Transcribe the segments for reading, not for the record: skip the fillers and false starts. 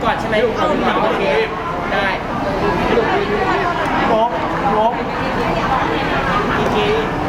ก่อนใช่ไหมโอเคได้ลบอีกที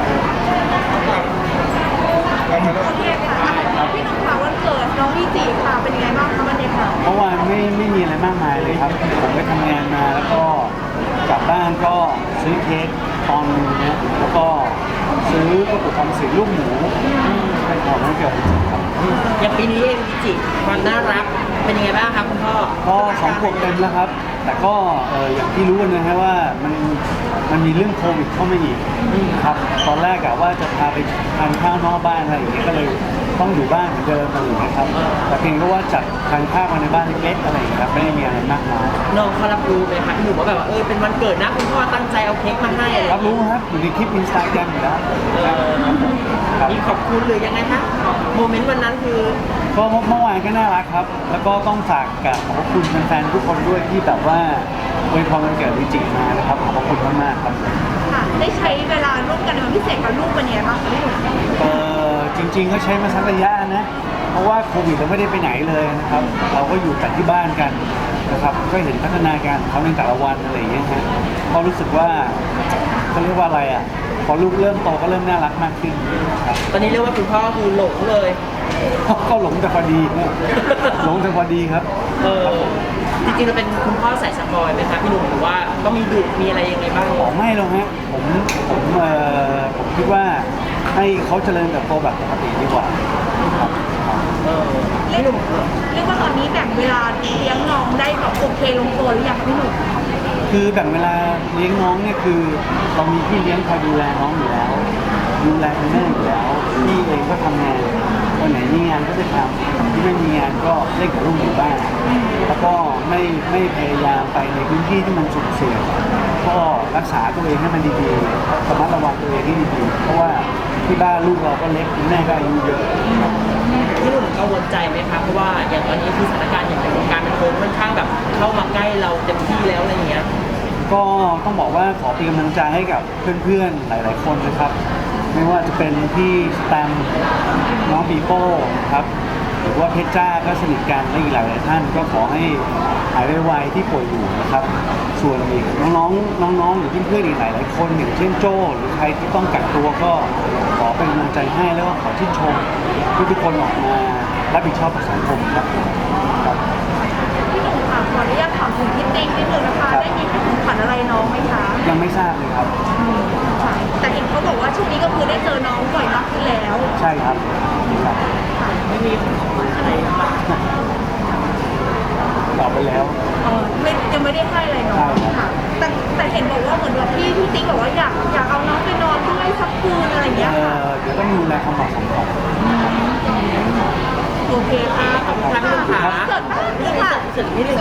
โอเคค่ะพี่หนุ่มค่ะวันเกิดน้องพี่จีค่ะเป็นยังไงบ้างคะบรรยากาศเมื่อวานไม่มีอะไรมากมายเลยครับผมไปทำงานมาแล้วก็กลับบ้านก็ซื้อเค้กตอนนึงนะแล้วก็ซื้อกระปุกออมสินลูกหมูเป็นของวันเกิดจริงๆครับอย่างปีนี้เองพี่จิความน่ารักเป็นยังไงบ้างครับคุณพ่อก็2 ขวบเต็มแล้วครับแต่ก็อย่างที่รู้กันนะฮะว่ามันมีเรื่องโควิดเข้ามาอีกครับตอนแรกอะว่าจะพาไปทานข้าวนอกบ้านอะไรอย่างเงี้ยก็เลยต้องอยู่บ้านเหมือนเดิมอะไรอย่างเงี้ยครับแต่เพียงก็ว่าจัดทานข้าวมาในบ้านเล็กๆอะไรอย่างเงี้ยครับไม่ได้มีอะไรมากมายน้องเขารับรู้ไหมคะพี่หนุ่มว่าแบบว่าเป็นวันเกิดนะคุณพ่อตั้งใจเอาเค้กมาให้อะไรรับรู้ครับอยู่ในคลิปอินสตาแกรมอยู่แล้วครับมีขอบคุณหรือยังไงคะโมเมนต์วันนั้นคือก็เมื่อวานก็น่ารักครับ แล้วก็ต้องฝากกับขอบคุณแฟนๆทุกคนด้วยที่แบบว่าอวยพรวันเกิดวิจิมานะครับขอบคุณมากๆครับค่ะได้ใช้เวลาร่วมกันในวันพิเศษกับลูกเป็นยังไงบ้างคะพี่หนุ่มจริงๆก็ใช้มาสักระยะนะเพราะว่าโควิดเราไม่ได้ไปไหนเลยนะครับ เราก็อยู่แต่ที่บ้านกันนะครับก็เห็นพัฒนาการของเขาในแต่ละวันอะไรอย่างเงี้ยฮะก็รู้สึกว่าเขาเรียกว่าอะไรอ่ะพอลูกเริ่มโตก็เริ่มน่ารักมากขึ้นครับตอนนี้เรียกว่าคุณพ่อคือหลงเลยก็หลงแต่พอดีนะหลงแต่พอดีครับจริงๆเราเป็นคุณพ่อสายสปอยไหมคะพี่หนุ่มหรือว่าก็มีดุมีอะไรยังไงบ้างอ๋อไม่หรอกฮะผมคิดว่าให้เขาเจริญเติบโตแบบปกติดีกว่าครับพี่หนุ่มเรียกว่าตอนนี้แบ่งเวลาเลี้ยงน้องได้แบบโอเคลงตัวหรือยังคะพี่หนุ่มคือแบ่งเวลาเลี้ยงน้องเนี่ยคือเรามีพี่เลี้ยงคอยดูแลน้องอยู่แล้วดูแลคุณแม่อยู่แล้วพี่เองก็ทำงานวันไหนมีงานก็จะทำที่ไม่มีงานก็เล่นกับลูกอยู่บ้านแล้วก็ไม่พยายามไปในพื้นที่ที่มันสุ่มเสี่ยงก็รักษาตัวเองให้มันดีๆระมัดระวังตัวเองให้ดีๆเพราะว่าที่บ้านลูกเราก็เล็กคุณแม่ก็อายุเยอะพี่หนุ่มกังวลใจไหมคะเพราะว่าอย่างตอนนี้คือสถานการณ์อย่างในวงการบันเทิงค่อนข้างแบบเข้ามาใกล้เราเต็มที่แล้วอะไรอย่างเงี้ยก็ต้องบอกว่าขอเป็นกำลังใจให้กับเพื่อนๆหลายๆคนนะครับ ไม่ว่าจะเป็นพี่สแตมป์น้องปีโป้ครับหรือว่าเพชรจ้าก็สนิทกันและอีกหลายๆท่านก็ขอให้หายไวๆที่ป่วยอยู่นะครับ ส่วนอีกน้องๆหรือเพื่อนๆอีกหลายๆคนอย่างเช่นโจ้หรือใครที่ต้องกักตัวก็ขอเป็นกำลังใจให้แล้วก็ขอชื่นชมทุกคนออกมารับผิดชอบต่อสังคมครับพี่หนุ่มค่ะขออนุญาตถามถึงพี่ติ๊กนิดนึงนะคะได้มีของขวัญอะไรน้องไหมคะยังไม่ทราบเลยครับค่ะแต่เห็นเขาบอกว่าช่วงนี้ก็คือได้เจอน้องบ่อยมากขึ้นแล้วใช่ครับครับไม่มีของขวัญอะไรมากตอบไปแล้วยังไม่ได้ให้อะไรน้องค่ะแต่เห็นบอกว่าเหมือนแบบพี่ติ๊กบอกว่าอยากเอาน้องไปนอนด้วยสักคืนอะไรอย่างเงี้ยค่ะเดี๋ยวต้องดูแลความเหมาะสมก่อนโอเคค่ะขอบคุณค่ะครับเกิดบ้างค่ะเสร็จนี่